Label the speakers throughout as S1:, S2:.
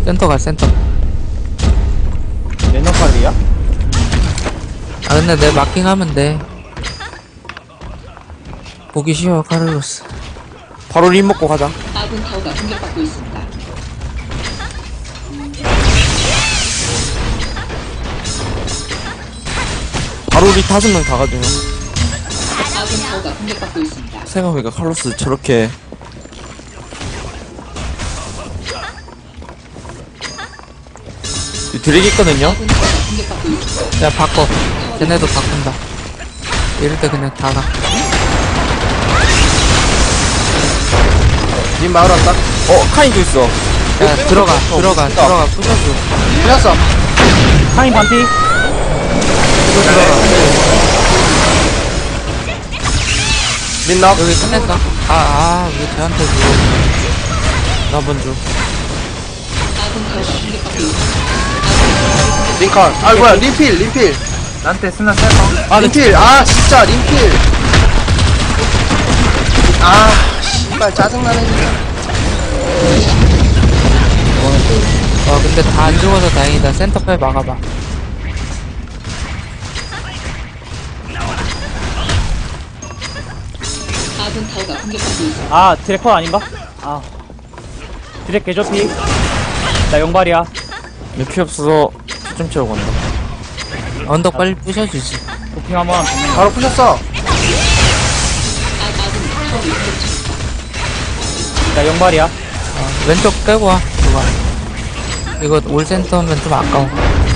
S1: 센터 가 센터.
S2: 레노칼이야?
S1: 아 근데 내 마킹하면 돼. 보기 쉬워 카를로스.
S3: 바로 림 먹고 가자.
S4: 아군 타워가 공격받고 있습니다.
S3: 바로 우리 5명 다 가지고.
S4: 아군 타워가 공격받고 있습니다.
S3: 생각해보니까 칼로스 저렇게 드랙 있거든요?
S4: 아군 타워가 공격받고 있습니다.
S1: 야 바꿔. 쟤네도 바꾼다. 이럴 때 그냥 다 가.
S5: 님 마을 왔다.
S3: 카인도 있어.
S1: 야 들어가 부셔줘.
S5: 풀렸어.
S2: 카인 반피.
S1: 이거 들어가.
S5: 민납.
S1: 여기 끝냈다. 왜 쟤한테 줘. 나 먼저.
S4: 아군 타워가 공격받고 있습니다.
S5: 링컨. 아 뭐야 림필.
S2: 나한테 스나 셀까?
S5: 아 림필. 아 진짜 림필. 아 씨발 짜증나네.
S1: 근데 다 안 죽어서 다행이다. 센터페 막아봐.
S4: 아군 타워가 공격받고 있습니다.
S2: 아 드래커 아닌가? 아 드랙 개조피. 나 용발이야.
S3: 피 없어서 피 좀 채우고 간다.
S1: 언덕 빨리 부셔주지.
S2: 도핑 한번.
S5: 바로 푸셨어.
S4: 아군 타워를 공격합니다.
S2: 나 용발이야.
S1: 왼쪽 빼고 와. 이거 올 센터면 좀 아까워.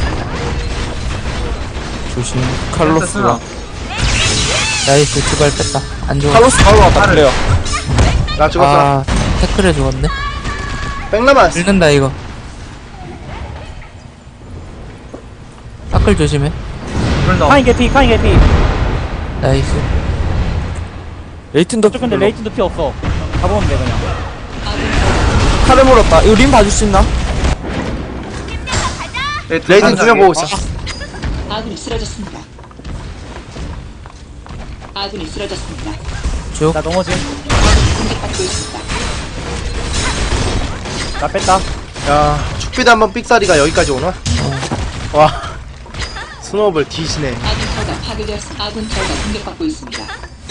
S3: 조심. 칼로스가.
S1: 나이스 두발 뺐다. 안 죽어.
S3: 칼로스 바로 왔다 그래요.
S5: 나 죽었어.
S1: 태클에 죽었네.
S5: 백남았어.
S1: 읽는다 이거. 사클 조심해.
S2: 카인 개피.
S1: 나이스.
S3: 레이튼도
S2: 저 근데 레이튼도 피 없어. 가보면 돼 그냥.
S3: 칼을 물었다. 이거 림 봐줄 수 있나?
S5: 레이튼 2명 보고 있어.
S4: 아군이 쓰러졌습니다. 아군이 쓰러졌습니다.
S1: 쭉.
S2: 나 넘어짐.
S4: 공격받고 있습니다.
S2: 나 뺐다.
S5: 야 축비도 한번 삑사리가 여기까지 오나? 와 스노우볼 뒤지네.
S4: 아군 타워가 파괴되었습니다. 아군 타워가 공격받고 있습니다.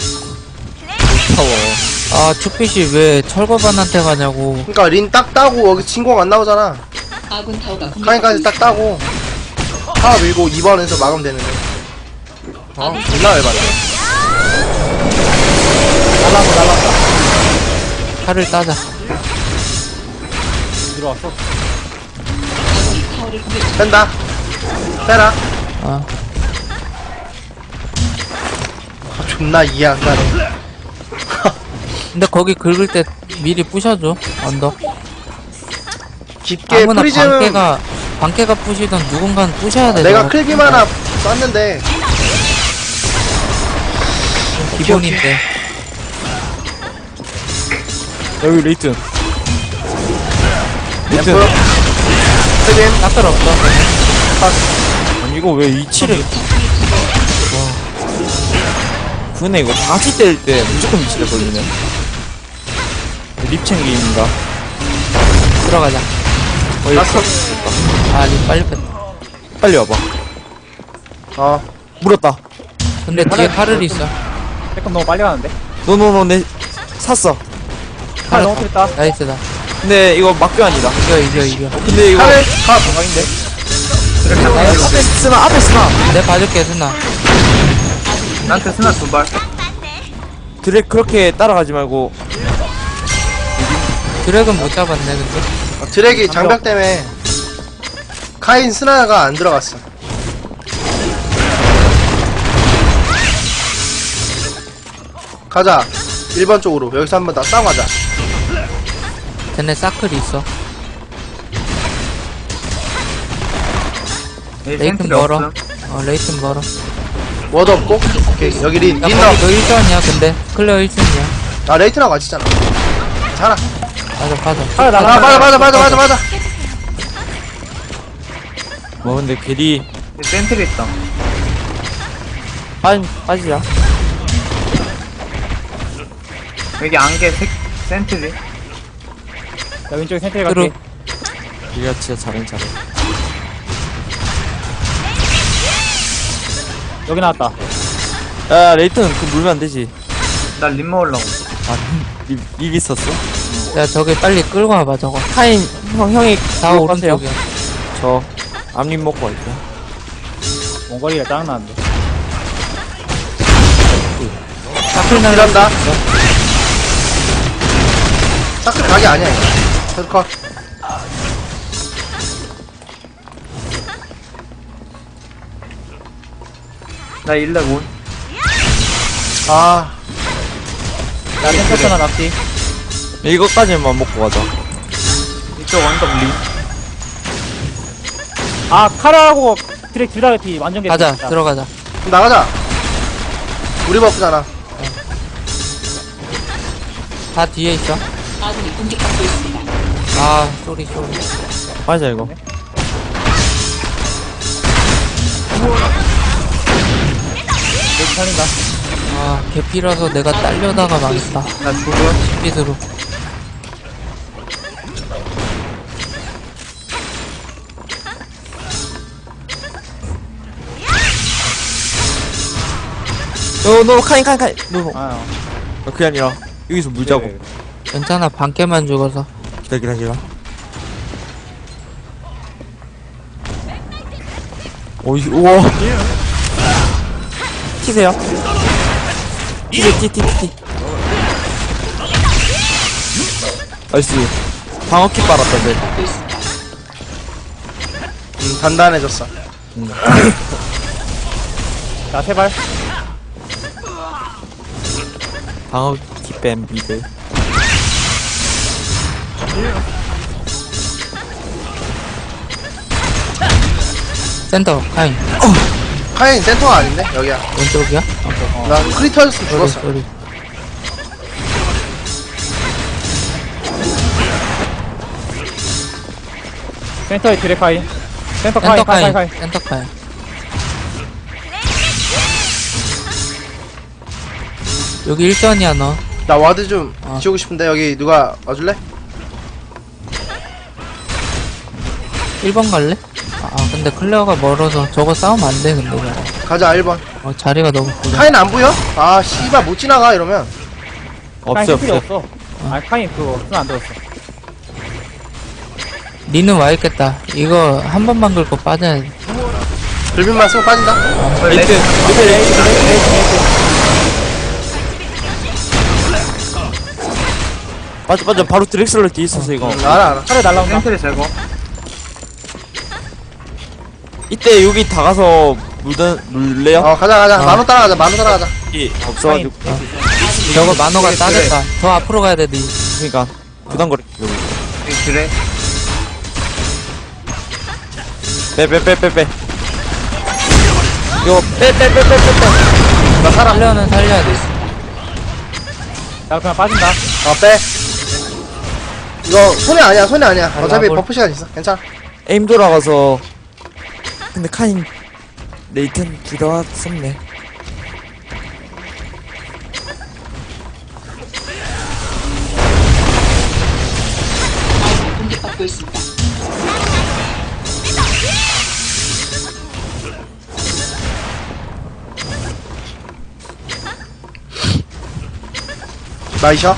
S3: 무서워.
S1: 투핏이 왜 철거반한테 가냐고.
S5: 그니까 린 딱 따고 여기 진공 안 나오잖아.
S4: 아군 타워가 공격받고
S5: 카인까지 딱
S4: 있습니다.
S5: 따고 하나 밀고 2번에서 막으면 되는데. 존나 열받네. 날라왔다.
S1: 칼을 따자.
S2: 들어왔어.
S4: 아군이 타워를 공격.
S5: 된다. 빼라.
S1: 어.
S5: 존나 이해 안 가네.
S1: 근데 거기 긁을 때 미리 부셔줘. 언덕.
S5: 깊게
S1: 아무나
S5: 프리즘
S1: 방개가 부시던 누군가는 부셔야 돼.
S5: 내가
S1: 저거.
S5: 클빔 하나 쐈는데
S1: 기본인데.
S3: 여기 레이튼. 레이튼.
S5: 램프 클빔
S1: 사클 없어.
S3: 아니 이거 왜 위치를 근데 이거 바지 때릴 때 무조건 위치를 걸리네. 립 챙기인가?
S1: 들어가자.
S5: 났어.
S1: 립 빨리 뺐다.
S3: 빨리 와봐. 물었다.
S1: 근데 뒤에 칼을 있어.
S2: 백컴 너무 빨리 가는데.
S3: 노노노 내 샀어.
S2: 칼 너무 필했다.
S1: 나이스다.
S3: 근데 이거 막교환이다.
S1: 이겨.
S3: 근데 이거
S5: 칼을
S3: 대박인데. 앞에 쓰나.
S1: 내가 봐줄게, 순나.
S2: 나한테 스나 두 발.
S3: 드랙 그렇게 따라가지 말고.
S1: 드랙은 못 잡았네, 근데.
S5: 드랙이 장벽 때문에 카인 스나가 안 들어갔어. 가자. 1번 쪽으로. 여기서 한번 다 싸워 가자.
S1: 쟤네 사클이 있어. 레이튼 멀어. 레이튼 멀어.
S5: 워드 없고. 오케이. 여기 린.
S1: 야,
S5: 린
S1: 거기
S5: 너.
S1: 너 1선이야, 근데. 클레어 1선이야.
S5: 나 레이튼하고 같이 있잖아. 괜찮아.
S1: 맞아.
S5: 맞아.
S3: 뭐 근데 괜히
S2: 센트리 있다.
S3: 빠지자.
S2: 여기 안개 센트리. 나 왼쪽에 센트리 갈게.
S3: 얘가 진짜 잘해.
S2: 여기 나왔다.
S3: 야, 레이튼, 그거 물면 안 되지.
S6: 나립 먹으려고.
S3: 아, 립 있었어?
S1: 야 저기 빨리 끌고 와봐 저거.
S3: 카인, 형이
S1: 다
S3: 그거 하세요.
S1: 오른쪽이야.
S3: 저, 앞립 먹고 갈게요.
S2: 원거리가 짱나는데.
S5: 사클 날란다. 사클 각이 아니야 이거. 사클.
S6: 나 1렙 온.
S5: 아
S2: 야, 템퍼스나 납치.
S3: 이거까지만 먹고 가자.
S6: 이쪽 언덕 립.
S2: 아, 카라하고 드랙 둘다 개피. 완전 개피.
S1: 가자
S2: 진짜.
S1: 들어가자.
S5: 그럼 나가자. 우리 버프잖아.
S1: 다 뒤에 있어.
S4: 아군이 공격받고 있습니다.
S1: 아 쏘리.
S3: 맞아, 이거.
S2: 여기 살린다.
S1: 아 개피라서 내가 딸려다가 망했다.
S5: 나 죽어.
S1: 핏으로.
S3: 너, 카인. 너,
S2: 아,
S3: 그게 아니라, 여기서 물자고.
S2: 그래.
S1: 괜찮아 반개만 죽어서.
S3: 기다려. 오이, 우와. 튀세요. 티. 나이스. 방어킥 빨았다, 쟤.
S4: 받고 있습니다.
S5: 단단해졌어.
S2: 자, 세발.
S3: 방어킥 뱀 미드.
S1: 센터 카인.
S5: 카인 센터가 아닌데 여기야.
S1: 왼쪽이야?
S5: 나 크리터였으면 죽었어.
S1: 쏘리.
S2: 센터에 드랙 카인. 센터
S1: 센터
S2: 카인.
S1: 카인. 센터 카인. 여기 1전이야 너.
S5: 나 와드 좀
S1: 어.
S5: 지우고 싶은데 여기 누가 와줄래?
S1: 1번 갈래? 아 근데 클레어가 멀어서 저거 싸우면 안 돼 근데 저거.
S5: 가자 1번.
S1: 자리가 너무 구려.
S5: 카인 안 보여? 아 씨발 못 지나가 이러면.
S2: 카인 필요
S3: 없어.
S2: 없어. 아, 카인 그거 손안 들었어.
S1: 니는 와 있겠다. 이거 한 번만 긁고 빠져야 돼.
S5: 불빛만 쓰고 빠진다.
S3: 레이튼. 맞아. 바로 드렉슬러 뒤에 있었어, 이거.
S5: 알아.
S2: 카레 날라온다.
S6: 센트리 제거.
S3: 이때 여기 다 가서 물래요?
S5: 가자. 만호 따라가자.
S3: 없어가지고.
S1: 저거 만호가 따겠다. 더 앞으로 가야 돼 니.
S3: 그니까, 부담거리.
S6: 그래.
S3: 빼. 이거, 빼.
S5: 나 살아.
S1: 살려는 살려야 돼.
S2: 자, 그냥 빠진다.
S5: 빼. 이거 손해 아니야. 어차피
S1: 라볼.
S5: 버프 시간 있어. 괜찮아.
S3: 에임 돌아가서. 근데 카인, 레이튼 둘 다 썼네.
S4: 아군이 공격받고 있습니다.
S5: 나이셔.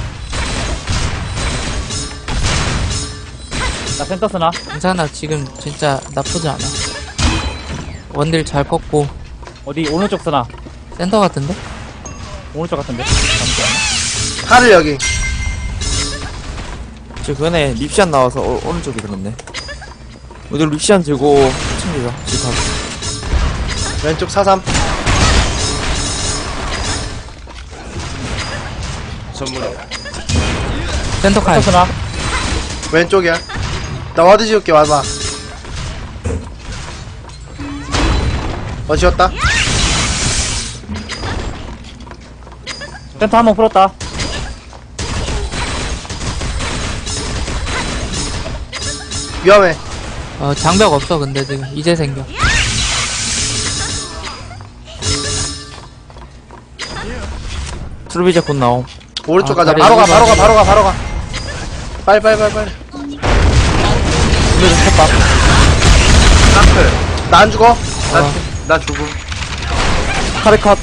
S2: 자, 센터 쓰나?
S1: 괜찮아 지금 진짜 나쁘지 않아. 원딜 잘 컸고.
S2: 어디, 오른쪽 쓰나?
S1: 센터 같은데?
S2: 오른쪽 같은데? 잠시만요.
S5: 칼을 여기.
S3: 저 그전에 립시안 나와서 오른쪽에 들었네. 오늘 립시안 들고 챙겨줘. 지금
S5: 왼쪽 4-3. 선물이야.
S1: 센터 카인.
S2: 센터 쓰나?
S5: 왼쪽이야. 나 와드 지울게. 와봐. 지웠다.
S2: 센터 한 번 풀었다.
S5: 위험해.
S1: 장벽 없어 근데 지금 이제 생겨.
S3: 트루비자 곧 나옴.
S5: 오른쪽
S1: 아,
S5: 가자.
S1: 그래,
S5: 바로 가.
S1: 이거
S5: 빨리.
S3: 이거 좀 쳤다.
S6: 쌍클.
S5: 나 안 죽어.
S6: 나 죽음.
S3: 카레 컷.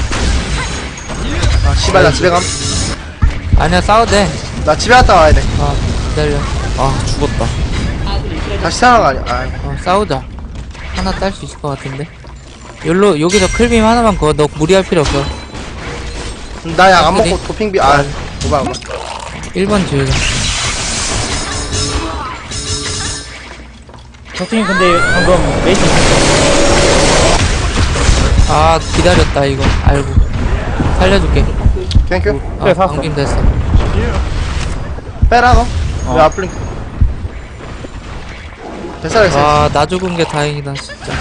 S5: 아 씨발 나 집에 감.
S1: 아니야, 싸워도 돼.
S5: 나 집에 갔다 와야 돼.
S1: 기다려.
S3: 아, 죽었다.
S5: 다시 태어난 거 아니야. 아,
S1: 싸우자. 하나 딸 수 있을 것 같은데. 여기서 클빔 하나만 그어. 너 무리할 필요 없어.
S5: 나 약 안
S1: 어디?
S5: 먹고 도핑비. 아 오바.
S1: 1번 지우자.
S2: 적팀 근데 방금 레이튼
S1: 아, 기다렸다, 이거. 알고. 살려줄게.
S5: 땡큐.
S2: 그래, 살았어.
S1: 방금 됐어.
S5: 빼라 너. 왜 앞플링? 됐어 됐어.
S1: 와, 나 죽은 게 다행이다, 진짜.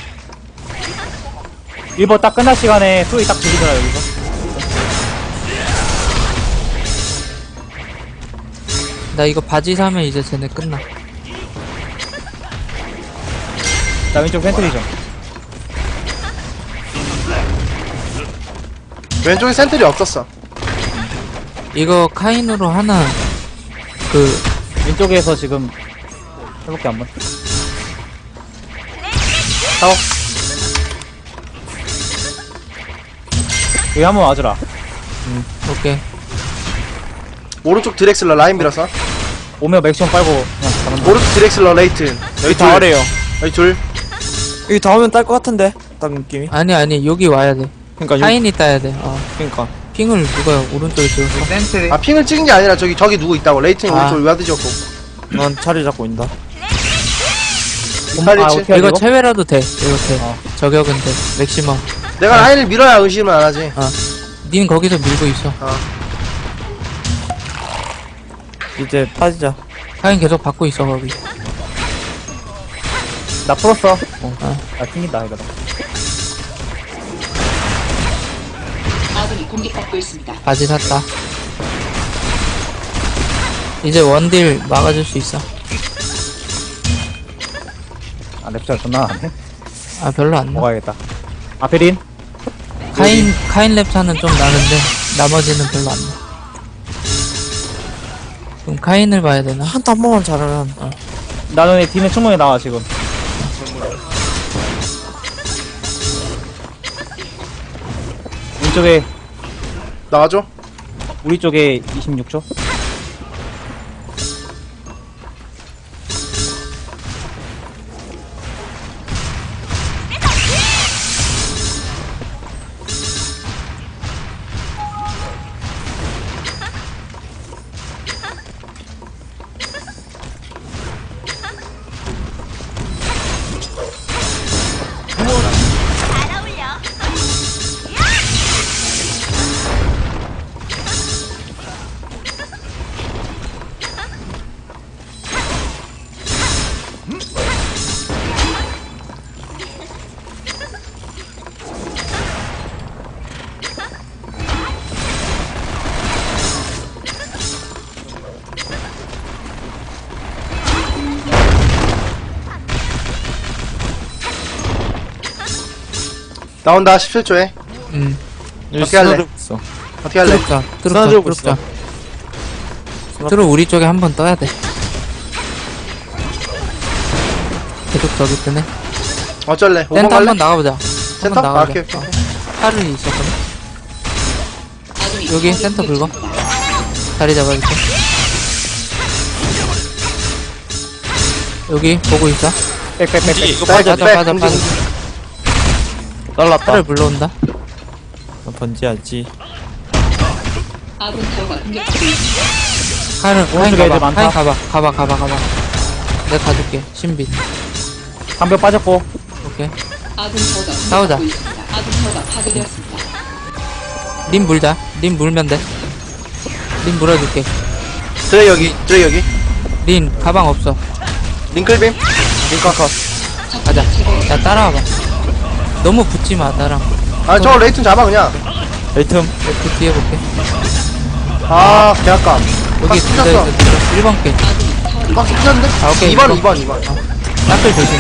S2: 1번 딱 끝날 시간에 수위 딱 들리더라 여기서.
S1: 나 이거 바지 사면 이제 쟤네 끝나.
S2: 나 왼쪽 센트리죠.
S5: 왼쪽에 센트리 없었어.
S1: 이거 카인으로 하나,
S2: 왼쪽에서 지금 해볼게 한번.
S5: 사오.
S2: 여기 한번 와주라.
S1: 오케이.
S5: 오른쪽 드렉슬러 라인 밀어서.
S2: 오면 맥시멈 빨고 그냥 가면 돼.
S5: 오른쪽 드렉슬러 레이튼.
S3: 여기 다 아래요.
S5: 여기 둘.
S3: 여기 다 오면 딸 것 같은데. 딱 느낌이.
S1: 아니, 여기 와야 돼.
S3: 그니까,
S1: 카인이 따야 돼.
S3: 그니까.
S1: 핑을 누가 오른쪽에 지웠어?
S6: 센트리.
S5: 아 핑을 찍은 게 아니라 저기 누구 있다고. 레이튼
S1: 아.
S5: 오른쪽 와드 지었고.
S3: 넌 자리 잡고 있다.
S5: 이탈리치.
S2: 어떻게
S1: 이거
S2: 이거?
S1: 체외라도 돼. 이렇게.
S2: 어.
S1: 저격은 돼. 맥시멈.
S5: 내가 라인을 밀어야 의심을 안 하지.
S1: 닌 거기서 밀고 있어.
S3: 이제 빠지자.
S1: 카인 계속 받고 있어, 거기.
S2: 나 풀었어.
S1: 어.
S2: 나 튕긴다 이거.
S4: 아군이 공격받고 있습니다.
S1: 바지 샀다. 이제 원딜 막아줄 수 있어.
S2: 아 랩잘 존나 안해.
S1: 아, 별로 안 나.
S2: 먹어야겠다. 아페린.
S1: 카인 랩차는 좀 나는데, 나머지는 별로 안 나. 그럼 카인을 봐야 되나?
S3: 한 번만 잘하면.
S2: 나는 이 뒤는 충분히 나와 지금. 왼쪽에
S5: 나가줘.
S2: 우리 쪽에 26초.
S5: 나온다 17초에. 어떻게 할래?
S3: 있어.
S5: 어떻게 할래?
S1: 뚫자,
S3: 쓰러지고
S1: 뚫자. 뚫어 우리 쪽에 한 번 떠야 돼. 계속 저기 뜨네.
S5: 어쩔래? 5번
S1: 센터
S5: 갈래?
S1: 한번 나가보자.
S5: 센터?
S1: 한번
S5: 아,
S1: 나가자.
S5: 오케이, 오케이.
S1: 팔을 있었거든.
S4: 아군이
S1: 여기
S4: 타워를
S1: 센터 긁어.
S4: 공격합니다.
S1: 자리 잡아줄게. 여기 보고 있어.
S2: 빽빽빽빽.
S3: 이거
S5: 백,
S3: 빠져.
S5: 백,
S1: 빠져,
S5: 백,
S1: 빠져.
S3: 날랐다.
S1: 팔을 불러온다.
S3: 번지하지.
S4: 아군 타워가 공격받고 있습니다.
S1: 카인
S2: 오른쪽에 애들
S1: 가봐.
S2: 많다.
S1: 카인 가봐. 내가 가줄게. 신비.
S2: 한병 빠졌고.
S1: 오케이.
S4: 아군 타워가
S1: 싸우자.
S4: 공격받고 있습니다. 아군 타워가 파괴되었습니다.
S1: 님 물자. 님 물면 돼. 님 물어줄게.
S5: 드레 여기.
S1: 린 가방 없어.
S5: 링클빔. 링커 컷.
S1: 가자. 야, 따라와봐. 너무 붙지 마, 나랑.
S5: 아 저거 레이튼 잡아 그냥.
S3: 레이튼.
S1: 그 뒤에 볼게.
S5: 아 개아까.
S1: 여기
S5: 박스 찢었어.
S1: 1번 게.
S5: 박스 찢었는데?
S1: 아, 오케이,
S5: 2번
S1: 이거.
S5: 2번.
S1: 딱들 조심해.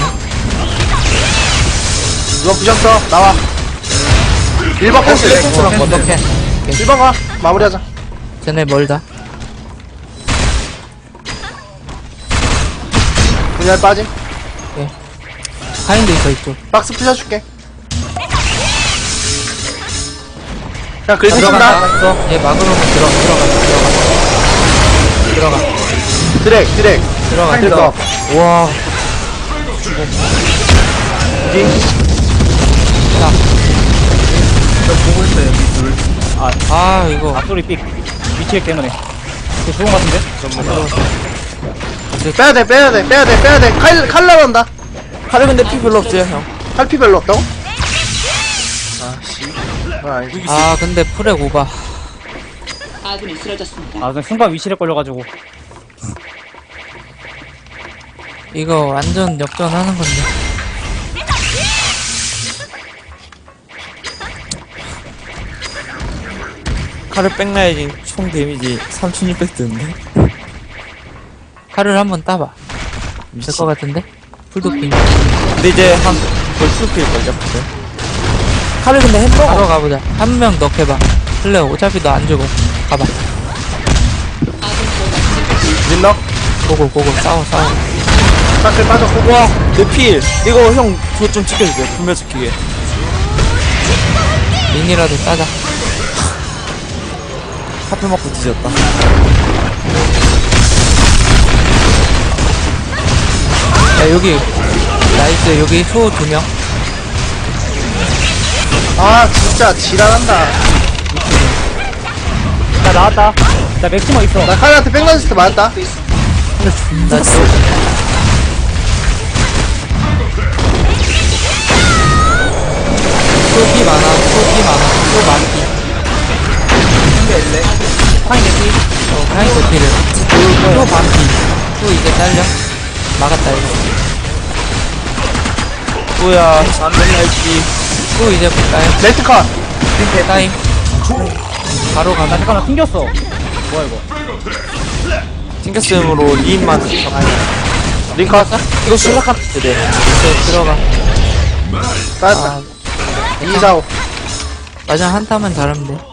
S5: 2번 부셨어. 나와. 1번 캔슬.
S1: 어떡해.
S5: 1번 가. 마무리하자.
S1: 쟤네 멀다.
S5: 그냥 빠짐.
S1: 카인도 있어 이쪽.
S5: 박스 부셔줄게. 그냥 긁고
S1: 들어간다.
S5: 쓴다.
S1: 얘 막으면 들어가.
S5: 드랙.
S1: 들어가.
S5: 들어가.
S3: 와.
S6: 저 보고 있어요, 여기 둘.
S1: 아 이거
S2: 앞소리 삑. 위치액 때문에. 이거 좋은 것 같은데?
S5: 빼야돼. 칼 나간다.
S3: 칼을 근데 피 별로 없어요, 형.
S5: 칼피 별로 없다고? 아씨. 아니지.
S1: 아 근데 프렉 오바.
S4: 아군이 쓰러졌습니다.
S2: 아, 그냥 순간 위치에 걸려가지고.
S1: 이거 완전 역전하는 건데.
S3: 칼을 뺑나야지 총 데미지 3600 뜨는데.
S1: 칼을 한번 따봐. 될 것 같은데? 풀도핑.
S3: 근데 이제 한 벌써 필걸요, 근데. 칼을 근데 햄버거.
S1: 바로 가보자. 한 명 넣게봐. 클레어 어차피 너 안 죽어. 가봐.
S4: 아군 타워가
S5: 민너.
S1: 고고 싸워.
S5: 사클 빠졌고.
S3: 와, 내 필. 이거 형, 그거 좀 지켜주세요. 분별 지키게.
S1: 민이라도 따자.
S3: 하필 먹고 뒤졌다.
S1: 야 여기 나이스. 여기 소 2명.
S5: 아 진짜 지랄한다.
S2: 나 나왔다. 나 맥시머 있어.
S5: 나 칼한테 백라지스트 맞았다.
S1: 나 소. 소피 많아. 소 많기.
S2: 파인 개피.
S1: 카인 도피를. 소 반피. 소 이제 잘려. 막았다 이거.
S3: 뭐야, 안될날지.
S1: 소 이제 볼까요?
S5: 레트 컷.
S1: 타임. 바로
S2: 나
S1: 가면.
S2: 잠깐만 튕겼어. 뭐야 이거?
S3: 튕겼음으로 리인만.
S5: 링컷.
S3: 이거 실락한 때 돼.
S1: 이제 들어가.
S5: 빠졌다.
S1: 아,
S5: 245.
S1: 마지막 한 타만 잘하면 돼.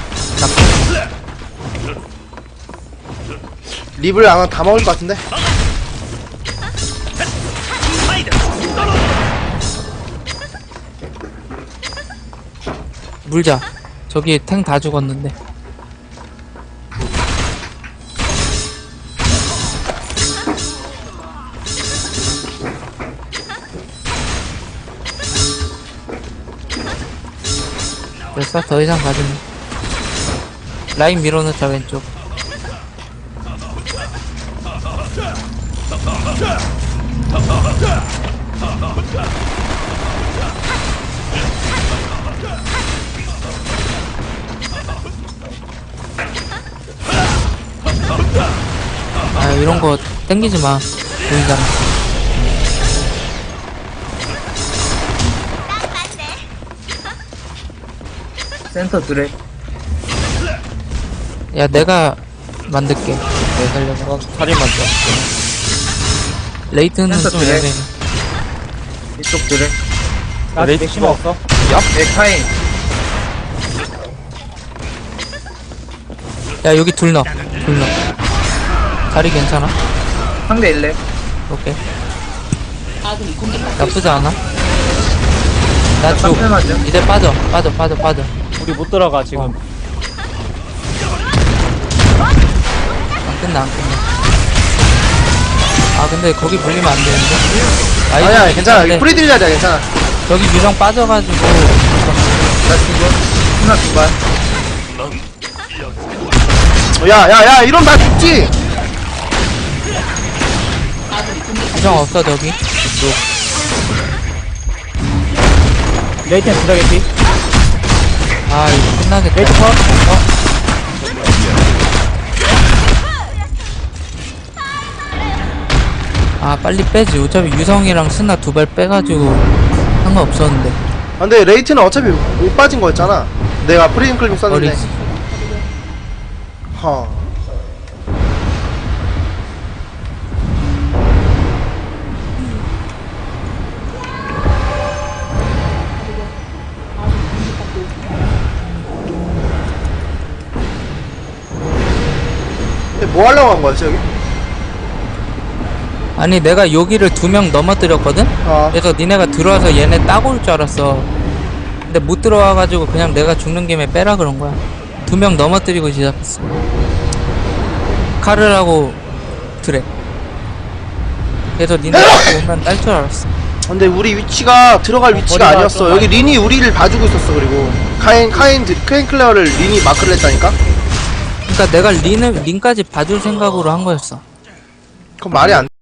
S5: 립을 아마 다 먹을 것 같은데.
S1: 물자. 저기 탱 다 죽었는데. 됐어? 더 이상 가지면. 라인 밀어넣자, 왼쪽. 아, 이런 거 땡기지 마. 보이잖아.
S6: 센터 드랙.
S1: 야, 내가 만들게. 내가 살려서.
S3: 살인 맞죠?
S1: 레이트는
S6: 센터
S1: 좀
S6: 드랙.
S1: 애매해.
S6: 이쪽 드랙.
S2: 나
S3: 레이트
S2: 맥시머 없어.
S6: 에카인.
S1: 야, 여기 둘 넣어. 자리 괜찮아?
S6: 상대 일렉.
S1: 오케이.
S4: 아군이 공격받고
S1: 나쁘지 않아. 나 쭉.
S6: 쌍패 맞죠?
S1: 이제 빠져.
S2: 우리 못 들어가 지금.
S1: 안 끝나. 아, 근데 거기 물리면 안 되는데.
S5: 아니야 괜찮아.
S1: 근데
S5: 프리딜 자리야 괜찮아.
S1: 저기 유령 빠져가지고.
S6: 나 죽어. 하나 두 발.
S5: 야야야 이런 나 죽지.
S4: 아군이 공격받고
S1: 유령 없어, 저기.
S2: 레이튼 두자 개피.
S1: 아, 이거 끝나겠다.
S2: 레이트 컷.
S1: 아, 빨리 빼지. 어차피 유성이랑 스나 2발 빼가지고 상관없었는데.
S5: 아, 근데 레이트는 어차피 못 빠진 거였잖아. 내가 프리즘 클립 썼는데.
S1: 어리지.
S5: 허. 근데 뭐 하려고 한 거였지 여기?
S1: 아니 내가 여기를 2명 넘어뜨렸거든?
S5: 어.
S1: 그래서 니네가 들어와서 얘네 따고 올 줄 알았어. 근데 못 들어와가지고 그냥 내가 죽는 김에 빼라 그런 거야. 2명 넘어뜨리고 시작했어. 카르라고 드래. 그래서 니네 오면 딸 줄 알았어.
S5: 근데 우리 위치가 들어갈 위치가
S2: 머리가
S5: 아니었어.
S2: 좀
S5: 여기 린이 우리를 봐주고 있었어. 그리고 카인 클레어를 린이 마크를 했다니까?
S1: 그러니까 내가 린까지 봐줄 생각으로 한 거였어.
S5: 그건 말이 안